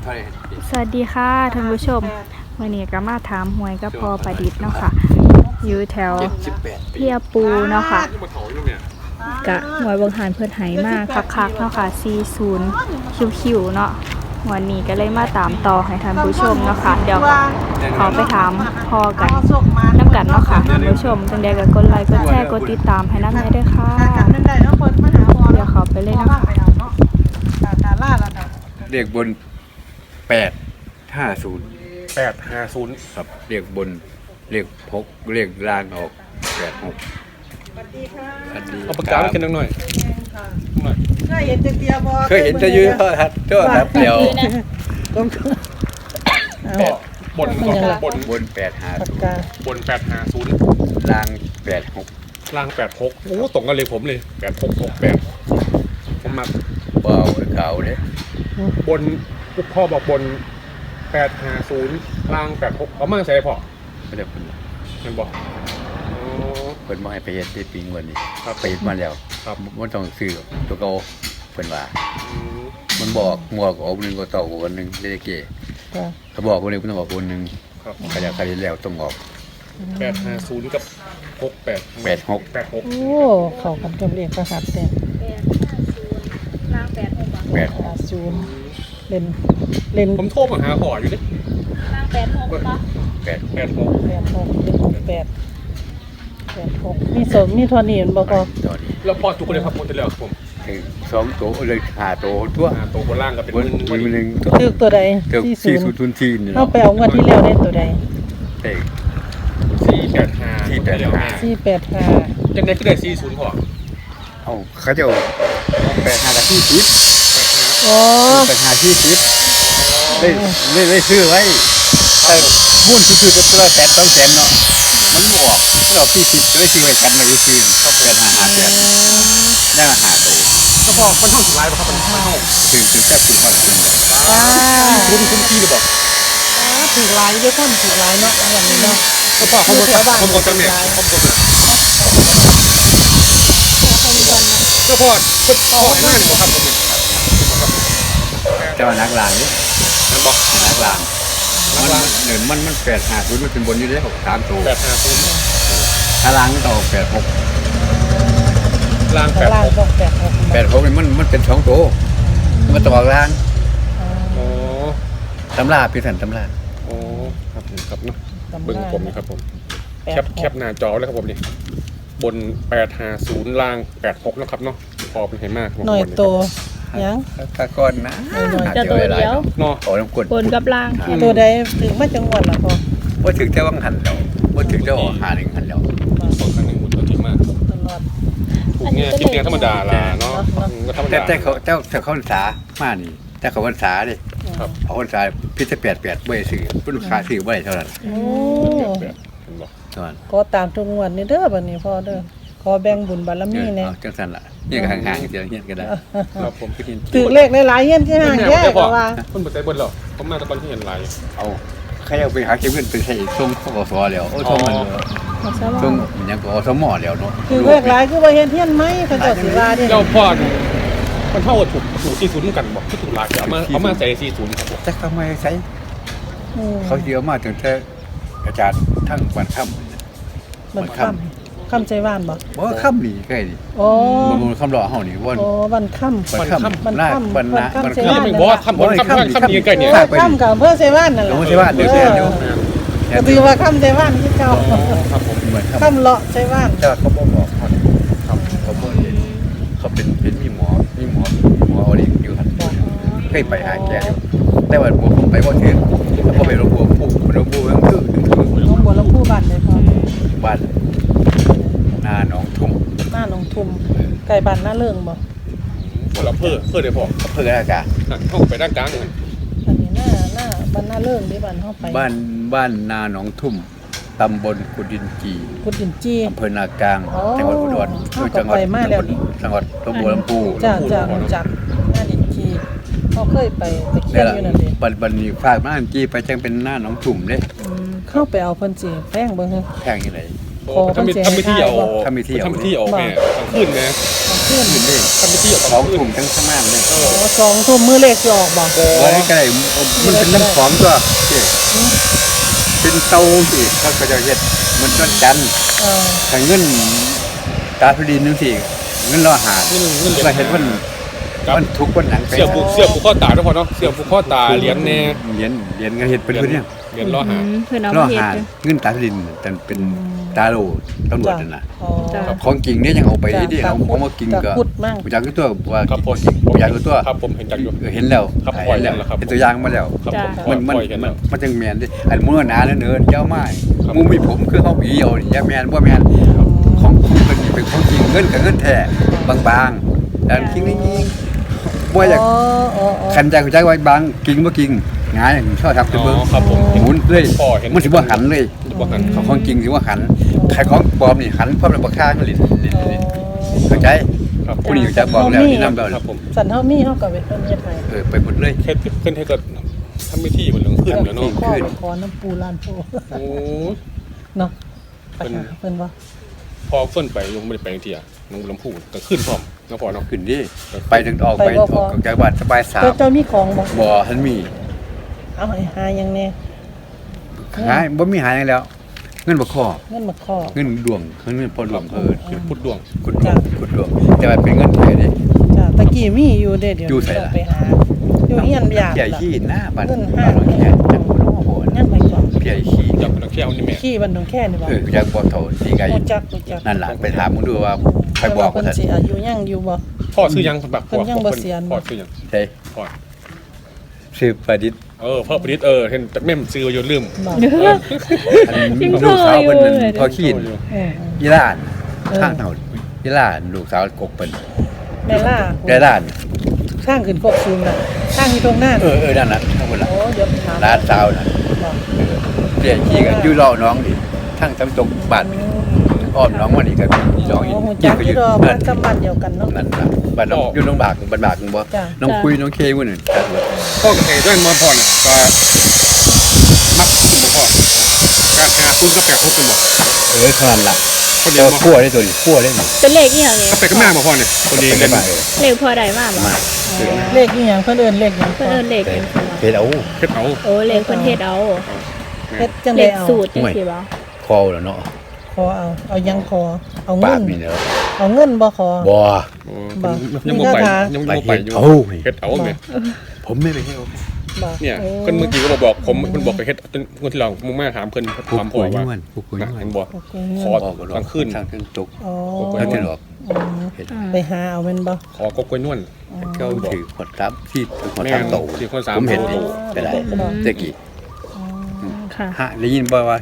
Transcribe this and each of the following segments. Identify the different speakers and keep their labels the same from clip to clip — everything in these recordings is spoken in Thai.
Speaker 1: สวัสดีค่ะท่านผู้ชมวันนี้ก็มาถามหวยกับพอประดิษฐ์เนาะค่ะอยู่แถวเพียปูเนาะค่ะกะหวยบางหารเพื่อนไหมากคักๆเนาะค่ะ40คิวๆเนาะวันนี้ก็เลยมาตามต่อให้ท่านผู้ชมเนาะค่ะเดี๋ยวเขาไปถามพอกันน้ำกันเนาะค่ะท่านผู้ชมจังใดก็กดไลค์กดแชร์กดติดตามให้น้ำได้ด้วยค่ะเดี๋ยวเขาไปเลยนะคะ
Speaker 2: เรียกบน850ครับเรียกบนเรียกพกเรียกลางออก86
Speaker 3: เอาปากกามาเขียนหน่อย
Speaker 4: เคยเห็นเตียบอ
Speaker 2: เคยเห็นจะยืดครับเจ้าครับเดี๋ยว
Speaker 3: บน
Speaker 2: บน850ลาง86
Speaker 3: ล่าง86โอ้ตรงกันเลยผมเลย8668ผมมา
Speaker 2: เบาเก่าเด้
Speaker 3: บนพ่อบอกบน850ล่าง86เอามาใส่พอ
Speaker 2: ไม่ได้เพิ่น
Speaker 3: มันบอก
Speaker 2: เพิ่นบ่ให้ไปเฮ็ดที่ปีงวันนี้ไปเฮ็ดมาแล้วบ่ต้องซื้อตัวเก่าเพิ่นว่ามันบอกงวกออกนึงก็ต่อกันนึงได้เก๋เขาบอกคนนึงต้องออกคนนึงใครอยากใครแล้วต้องออก
Speaker 3: 850กับ
Speaker 2: 86
Speaker 4: โอ้เข้ากันกับเลขประหัสแต่850เล่น
Speaker 3: ผมโทรมาหาพ่ออยู่ดิ
Speaker 1: 86ป่ะ
Speaker 4: 86มี2มีเท่านี้มันบ่พอ
Speaker 3: แล้วพ่อทุกคนเลยครับหมดแล้วผม
Speaker 2: 2ตัวเลย5ตัวตัว
Speaker 3: 5ตัวบนล่างก็เป็น
Speaker 2: นึง
Speaker 4: ตึกตัวใด
Speaker 2: 40นี่
Speaker 4: เฮาไปเอางวดที่แล้วได้ตัวใด
Speaker 3: 485จังได๋ก็ได้40พอ
Speaker 2: เอาเขาจะ85กับ40
Speaker 4: อ๋อ
Speaker 2: 85ได้ซื้อไว้แต่มุ่นซื้อๆตัวละ100,000 200,000เนาะมันบ่ออกเรา40ได้ซื้อไว้กันไว้ซื้อเขา8558ได้มา5ตัว
Speaker 3: ก็พอมันเข้าถึงหลายบ่ครับมันเข้า
Speaker 2: ถึงแค่ถึงว่า
Speaker 3: คุ้มที่เลยบอก
Speaker 4: ถือหลายด้วยคนถือหลายเนาะอย่างนี้เนาะ
Speaker 3: ก็พอผมก็จังเนี่ยก็พอมากบ่ครับผม
Speaker 2: เจ้านักลางนี่
Speaker 3: มันบอก
Speaker 2: นักลางมัน850มันเป็นบนอยู่ได้3ตัว
Speaker 3: 850
Speaker 2: ถ้าล้างต่อ86
Speaker 3: ล่าง
Speaker 2: 86มันเป็น2ตัวมันต่อล้าง
Speaker 3: อ๋อ
Speaker 2: ตำราพี่ท่านตำรา
Speaker 3: อ๋อครับผมครับเนาะเบิ่งผมนะครับผมแคปหน้าจอแล้วครับผมนี่บน850ล่าง86นะครับเนาะพอเป็นให้มาก
Speaker 4: หน่อยโตยัง
Speaker 2: ตะก้อนนะ
Speaker 1: จะตัวเดียว
Speaker 3: เนาะ
Speaker 2: ขอน้ำกด
Speaker 1: บนกับล่าง
Speaker 4: ตัวใดถึงมาจังหวัดล่ะพ่อ
Speaker 2: บ่ถึงแต่ว่าหันแล้วบ่ถึงแต่ว่าหา1หันแล้ว
Speaker 3: สองครั้งนึงหมดตัวจริงมาก
Speaker 4: ตลอด
Speaker 3: ถูกเนี่ยคิดเนี่ยธรรมดาล่ะเนาะก็ธรรมดา
Speaker 2: แต่เขาพรรษามานี่แต่เขาพรรษาดิ
Speaker 3: ครับ
Speaker 2: เอาพรรษาพิษ88บ่ได้ซื้อเพิ่นขายซื้อบ่ได้เท่านั้น
Speaker 4: โอ้
Speaker 2: ก็
Speaker 4: ตามทุกงวดนี่เด้อบัดนี้พ่อเด้อขอแบ่งบุญบารมีแน่
Speaker 2: จังซั่นล่ะนี่ก็ห่างๆเสียเฮียนก็ได้
Speaker 3: ครับผมคิดเห็น
Speaker 4: ถือเลขหลายๆเฮียนที่ห่างแย่ก็ว่า
Speaker 3: เพิ่นบ่ได้เบิ่นหรอกผมมาตะบันที่เห็นหลาย
Speaker 2: เอาใครเอาไปหาเก็บเงินไปใช้ส่งปสแล้วโอ้ส่งมันส่งหยังก็อสมแล้วเนาะ
Speaker 4: ถือเลขหลายคือว่าเฮียนมั้ยเขาเจ้าสิว่าเด้
Speaker 3: แล้วพ่อมันเท่าถูก40กันบ่ที่ถูกหลายเอามาใส่40ครับ
Speaker 2: จักทำไมใช้เขาสิเอามาตั้งแต่อาจารย์ทั้งวันค่ำ
Speaker 4: มันค่ำใจว่านบ่
Speaker 2: ค่ำนี่ใกล้นี่
Speaker 4: อ๋อ
Speaker 2: มันค่ำรอเฮานี่วัน
Speaker 4: วันค่ำ
Speaker 2: วันค่ำ
Speaker 3: ไม่บ่ค่ำนี่ใกล้เนี่ย
Speaker 4: ค่ำกับอำเภอไชว่านนั่นแหละ
Speaker 2: อำเภอไชว่านเดี๋ยว
Speaker 4: ก็ถือว่าค่ำไชว่านคือเก่า
Speaker 2: ครับผมเหมือน
Speaker 4: ค่ำเลาะไชว่าน
Speaker 2: แต่เขาบ่บอกครับเขาบ่เห็นเขาเป็นมีหมอเอาเด็กอยู่ครับเคยไปหาแกแต่ว่าผมไปบ่ถึงแล้วก็ไปหลวงปู่มันคือ
Speaker 4: หลวงปู่ลำพูบ้านได้พอ
Speaker 2: บ้านหน้าหนองทุ่ม
Speaker 4: ไก่บ้านหน้าเลิงบ่
Speaker 3: คนละอำเภอได้พอ
Speaker 2: อำเภออากาศ
Speaker 3: เข้าไปด้านกลาง
Speaker 4: อันนี้หน้าบ้านหน้าเลิงนี่บ้านเฮาไป
Speaker 2: บ้านนาหนองทุ่มตำบลกุดินจีอำเภอนากลางจังหวัดอุดร
Speaker 4: จังหวัดมาแล้วนี่
Speaker 2: จังหวัดหนองบัวลำพู
Speaker 4: จ้าจักหน้าดินจีเฮาเคยไปเขียนอยู่นั่นเด้
Speaker 2: บัดนี้ฝากมาดินจีไปจังเป็นหน้าหนองทุ่มเด้
Speaker 4: เข้าไปเอาเพิ่นสิแพงเบิ่ง
Speaker 2: แพงจังได๋
Speaker 3: ทำที่ออกแม่กลางคืนแม่
Speaker 4: ขึ้น
Speaker 2: ขึ้นเลย
Speaker 3: ทำพิธีออก
Speaker 2: สองถุงทั้งข้างหน้าเลย
Speaker 3: เอ
Speaker 4: อ๋
Speaker 3: อ
Speaker 4: อ2 ทุ่มมื้อเลขสิออกบ่
Speaker 2: ไว้ก็ได้มันเป็นน้ำหอมตัวเป็นเตาสิเขาก็จะเฮ็ดมันต้นจันทร์
Speaker 4: เออ
Speaker 2: ถ้าเงินตาพดินนึงสิเงินรอหา
Speaker 3: เงินเหรียญ
Speaker 2: ก็เห็นมันทุกวันหนังไป
Speaker 3: เสียบผูกข้อตาทุกคนเนาะเสียบผูกข้อตาเหรียญแน่
Speaker 2: เหรียญก็เฮ็ดเป็นเนี่ย
Speaker 3: เหรียญล้อหา
Speaker 1: เพิ่นเอา
Speaker 2: รอ
Speaker 1: มาเฮ็ด
Speaker 2: หา
Speaker 1: อยู่
Speaker 2: เงินตาพดินแต่เป็นตาโลตำรวจนั่นน่ะ
Speaker 4: อ๋อ
Speaker 1: จ้ะ
Speaker 2: ของจริงเนี่ยยังเอาไปที่เอามากินก็
Speaker 4: พุดมั่ง
Speaker 2: อยากรู้ตัวว่า
Speaker 3: ครับผม
Speaker 2: อยากรู้ตัว
Speaker 3: ครับผมเห็นจักอยู่
Speaker 2: เห็นแล้ว
Speaker 3: ครับ
Speaker 2: เห็นแล้ว
Speaker 3: ปล่อยแล้วครับ
Speaker 2: เป็นตัวอย่างมาแล้ว
Speaker 3: ครับผม
Speaker 2: มัน
Speaker 3: ปล่อยกันแล้ว
Speaker 2: มันจังแมนดิอันมือหนาเนินเจ้าไม้
Speaker 3: ครับ
Speaker 2: มูมีผมคือเขาบีเอานี่อย่าแมนบ่แมนของเป็นของจริงเงินกับเงินแท้บางๆแล้วจริงนี่บ่อยาก
Speaker 4: อ๋อ
Speaker 2: คันใจเข้าใจไว้บางกินบ่กินหงายชอบทับขึ้นเบิ่ง
Speaker 3: ครับผม
Speaker 2: หมุนเลย
Speaker 3: พอเห็น
Speaker 2: มันสิบ่หันเลย
Speaker 3: บ่หัน
Speaker 2: ของจริงสิว่าหันใครของปลอมนี่หันพร้อมแล้วบ่ค้างลิ้นเข้าใจ
Speaker 3: ครับ
Speaker 2: ผู้นี้จะบอกแล้วที่นำเรา
Speaker 3: ครับผม
Speaker 4: สันเฮามีเฮาก็เป็นเฮ็ดให้
Speaker 2: ไปหมดเลย
Speaker 3: เฮ็ดขึ้นให้ก็ทำพิธีเหมือนเรื่องขึ้นเดี๋ยวเนาะ
Speaker 4: ข้อไปขอน้ำปูลานโพ
Speaker 3: โอ้ย
Speaker 4: เนาะไปหาเพิ่นบ่
Speaker 3: พอเพิ่นไปลงไม่ได้ไปเที่ยน้องลำพูก็ขึ้นพร้อมน้องพอเนาะ
Speaker 2: ขึ้นดิไปถึงออกไปออกจากบ้านสบายสา
Speaker 4: เจ้ามีของบ่
Speaker 2: บ่ทันมี
Speaker 4: เอาให้หายังแน่
Speaker 2: หายบ่มีหายแล้ว เงินบ่พอ
Speaker 4: เงินมาข้อ
Speaker 2: เงินดวงเงินพอดวง
Speaker 3: พุดดวง
Speaker 2: ขุดดวงแต่ว่าเป็นเงินไทยดิ
Speaker 4: จ้ะตะกี้มีอยู่เด้เดี๋ยว
Speaker 2: อยู่ไสล่ะ
Speaker 4: ไปหาอยู่เฮียนยา
Speaker 2: เพียขี้หน้าบ้าน
Speaker 4: เงิน
Speaker 2: บ้านแค่จังบ่โอ้โห
Speaker 4: นั่นไปก่อน
Speaker 2: เพียขี้
Speaker 3: จับนักเที่ยวนี่แม่
Speaker 4: ขี้บันดงแค่นี่บ่
Speaker 2: จากบ่เท่าที่ไกล
Speaker 4: รู้จัก
Speaker 2: นั่นล่ะไปถามมึงดูว่าใครบอก
Speaker 4: เพิ่
Speaker 2: ว่าน ซั่น
Speaker 4: สิอายุยังอยู่บ่
Speaker 3: พ่อซื้อยังบัก
Speaker 4: เพิ่นยังบ่เสียน
Speaker 3: พ่อซื้อยัง
Speaker 2: ใช่
Speaker 3: พ่อ
Speaker 2: ชื่อประดิษฐ์
Speaker 3: พ่อประดิษฐ์เห็นแต่แม่มซื้ออยู่ลืม
Speaker 4: บ่
Speaker 1: ยัง
Speaker 2: ลูกสาวเพิ่น
Speaker 1: พ่ออยู่เลย
Speaker 2: พอขี้
Speaker 4: เออ
Speaker 2: ยีราดข้างเท่ายีราดลูกสาวกบเปิ้น
Speaker 4: แม่ล่า
Speaker 2: ได้ด้าน
Speaker 4: ข้างขึ้นพวกซูมน่ะข้างอยู่ตรงหน้า
Speaker 2: นั่นน่ะทั้งหมดล่ะ
Speaker 4: โอ้เดี๋ยวถาม
Speaker 2: ร้านสาวน่ะ
Speaker 4: บ่
Speaker 2: เรียกขี้กันอยู่รอน้องดิทั้งตำตกบ้านอ้อมน้องมานี่ก็มีน้องอีก
Speaker 4: โอ้โห
Speaker 2: กิ
Speaker 4: จั
Speaker 2: น
Speaker 4: ก
Speaker 2: ก็อ
Speaker 4: ที่
Speaker 2: ยู่
Speaker 4: ดอก
Speaker 2: นั่
Speaker 4: มัน นกำบันเดียวกันเนาะ
Speaker 2: นั่นล่ะบ้านน้องอยู่น้องบากบ้านบากบ่
Speaker 4: จ้ะ
Speaker 2: น้องคุยน้องเคมื้อนั่นครับ
Speaker 3: พ่อกับเอ๋ด้วยมาพ่อน่ะก็มักคุณบ่พ่อการหาคุณก็แปลกพบกันบ่
Speaker 2: ขนาดล่ะ
Speaker 3: คน
Speaker 2: เจ
Speaker 3: เดียว
Speaker 2: อ
Speaker 3: บ่
Speaker 2: คั่วได้ตัวนี้คั่วได้นี่
Speaker 1: เป็นเลขอีหยังนี่
Speaker 3: ก็ไปกับแม่บ่พ่อเนี่ยคนดี
Speaker 2: เป็
Speaker 3: เงิน
Speaker 2: นมา
Speaker 1: เลขพอได้มาบ่
Speaker 2: มา
Speaker 4: เลขอีหยังเพิ่นเอิ้นเลขหยัง
Speaker 1: เพิ่นเอิ้นเลขหยัง
Speaker 2: เฮ็ดเอา
Speaker 3: เฮ็ดเอา
Speaker 1: โอ้เลขเพิ่นเฮ็ดเอา
Speaker 4: เฮ็ดจัง
Speaker 1: เล
Speaker 4: ได๋
Speaker 1: ข
Speaker 4: เอา
Speaker 1: สูตรจังซี่บ่
Speaker 2: คอแล้วเนาะ
Speaker 4: ขอเอายังขอเอา
Speaker 2: ปา
Speaker 4: เงิ
Speaker 2: ก
Speaker 4: น
Speaker 2: นี่เนาะ
Speaker 4: เอาเงินบ่ขอ
Speaker 2: บ่
Speaker 3: ยังบ่ไปยัง
Speaker 2: ไป
Speaker 3: บ่ไป
Speaker 2: เฮ็ด
Speaker 3: อยู่
Speaker 2: เอา
Speaker 3: เฮ็ดเอาแม่
Speaker 2: ผมไม่ไปเฮ็ดเอา
Speaker 4: บ่
Speaker 3: เนี่ยเพิ่นเมื่อกี้ก็บอกผมเพิ่นบอกไปเฮ็ดคนที่เรามึงมาถามเพิ่น
Speaker 2: ผู้
Speaker 3: ถามพ่
Speaker 2: ป่
Speaker 3: อ
Speaker 2: วย
Speaker 3: ว่า
Speaker 2: ย้วนผู้ป่วย
Speaker 3: นะ
Speaker 2: ย้วน
Speaker 3: เห็นบ่
Speaker 4: โอเค
Speaker 3: ข
Speaker 4: เงิ
Speaker 3: อ
Speaker 4: น
Speaker 3: กลางคืน
Speaker 2: ทางขึ้นตก
Speaker 4: อ๋อ
Speaker 2: แล้วที่หรอก
Speaker 4: อืม
Speaker 2: เฮ็ด
Speaker 4: ไปหาเอาแม่นบ่
Speaker 3: ขอกบกล้วยนวล
Speaker 2: เจ้าถือขวดรับที่ถือขวด
Speaker 3: แม่
Speaker 2: ตามโต
Speaker 3: ถือขวดสาม
Speaker 2: ผมเห็น
Speaker 3: โต
Speaker 2: ดิไปได้ตะกี้
Speaker 1: ค่ะ
Speaker 2: ฮะได้ยินบ่ว่า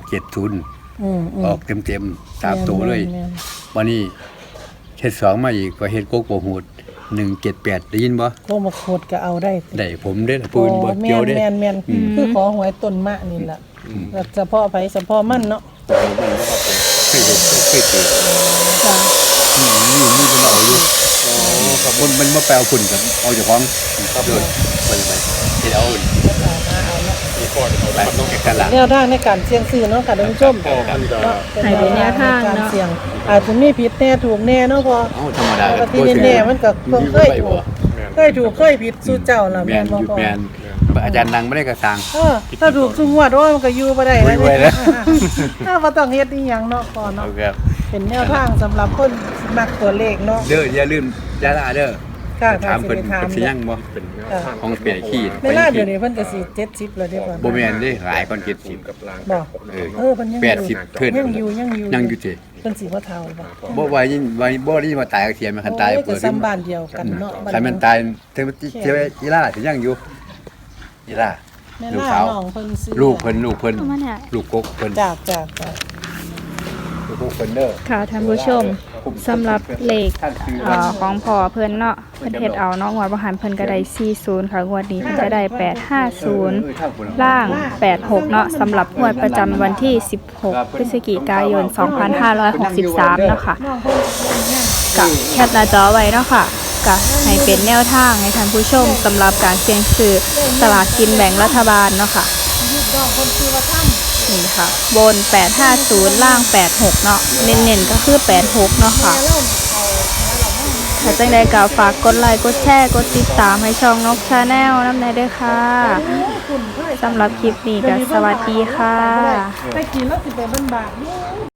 Speaker 2: 370
Speaker 4: อืม
Speaker 2: ออกเต็มๆ3ตัวเลย
Speaker 4: แม่น
Speaker 2: วันนี้เฮ็ด2มาอีกก็เฮ็ดโกกบ่ฮูด178ได้ยินบ่
Speaker 4: โคมาโคดก็เอาได้
Speaker 2: ได้ผมเด้อปืนบ่
Speaker 4: แม่
Speaker 2: เกี่ยวน เด้
Speaker 4: แม่นคือขอหวยต้นมะนี่ล่ะแล้วเฉพาะไผเฉพาะมันเนาะ
Speaker 2: เคยเห็นเคยเจอ
Speaker 4: จ้ะ
Speaker 2: นี่เป็นเอาอยู่ครับมันมาแปลคุณกับเอาเจ้าของครับเลยไปเฮ็ดเอา
Speaker 3: มีข้อที่เขา
Speaker 2: ไป
Speaker 3: ทำต้อง
Speaker 2: แข่งกันหลัง
Speaker 4: แนวทางในการเสี่ยงซื้อเนาะค่ะท่านผู้ชม
Speaker 3: พ่อมันจะ
Speaker 1: ให้เป็นแนวทาง
Speaker 4: การ
Speaker 1: เนาะ
Speaker 4: เสี่ยงอาจจะมีผิดแน่ถูกแน่เนาะพอ
Speaker 2: เอาธรรมดา
Speaker 4: ปกติแน่ๆมันก็เคยถูกเคยถูกเคยผิดสู่เจ้าล่ะ
Speaker 2: แม
Speaker 4: แม่
Speaker 2: น
Speaker 4: นบ่
Speaker 2: หยุด
Speaker 4: พอ
Speaker 2: แมนอาจารย์ดังไม่ได้กระสัง
Speaker 4: ถ้าถูกซุงวดว่ามันก็อยู่บ่ได้
Speaker 2: รวยๆแล้ว
Speaker 4: ถ้าบ่ต้องเฮ็ดอีหยังเนาะพอ
Speaker 2: เอา
Speaker 4: เนาะ
Speaker 2: ครับ
Speaker 4: เป็นแนวทางสำหรับคนมักตัวเลขเนาะ
Speaker 2: เด้ออย่าลืมยาลาเด้อ
Speaker 4: ค่ะ
Speaker 2: ถามเพิ่น
Speaker 4: ถาม
Speaker 2: สิยังบ่
Speaker 3: เป็นแนวทาง
Speaker 2: ของเปียขี้
Speaker 4: เวลาเดี๋ยวนี้เพิ่นก็สิ70แล้วเด้อพ่อ
Speaker 2: บ่แม่นเด้หลายคนเก็บสิบ
Speaker 3: กับลาง
Speaker 4: บ่
Speaker 2: เออ
Speaker 4: เพิ่นยัง
Speaker 2: 80เพิ่น
Speaker 4: ยังอยู่
Speaker 2: ยังอยู่ติ
Speaker 4: เพิ่นสิบ่เฒ่าบ่
Speaker 2: บ่ว่ายินว่าบ่ได้มาตายกับเสียมันคันตาย
Speaker 4: โอ้ก็
Speaker 2: เปิด
Speaker 4: ซ้ำบ้านเดียวกันเนาะ
Speaker 2: คันมันตายถึงเจ้าอีลาสิยังอยู่อีลา
Speaker 4: แม่
Speaker 2: ลูก
Speaker 4: ล่า
Speaker 2: สาว
Speaker 4: น้องเพิ่นซื้อ
Speaker 2: ลูกเพิ่น
Speaker 1: เอามาเนี่ย
Speaker 2: ลูกกกเพิ่น
Speaker 4: จ้า
Speaker 2: ลูกกกเพิ่นเด้อ
Speaker 1: ค่ะท่านผู้ชมสำหรับเลขของพ่อเพิ่นเนาะเพิ่นเฮ็ดเอาเนาะงวดบ่หันเพิ่นก็ได้40ค่ะงวดนี้เพิ่นก็ได้850ล่าง86เนาะสำหรับงวดประจำวันที่16พฤศจิกายน2563เนาะค่ะก็แคปหน้าจอไว้เนาะค่ะก็ให้เป็นแนวทางให้ท่านผู้ชมสำหรับการเสี่ยงซื้อสลากกินแบ่งรัฐบาลเนาะค่ะ
Speaker 4: น้องเพิ่นซื้อว่าทำ
Speaker 1: นี่ค่ะบน850ล่าง86เนาะเน้นๆก็คือ86เนาะค่ะ
Speaker 4: แม่เล่าเอาแม่เรา
Speaker 1: ถ้าจังใดก็ฝากกดไลค์กดแชร์กดติดตามให้ช่องนกชาแนลน้ำในด้วยค่ะสำหรับคลิปนี้ก็สวัสดีค่ะ
Speaker 4: ไปกินแล้วสิไปบ้านบาท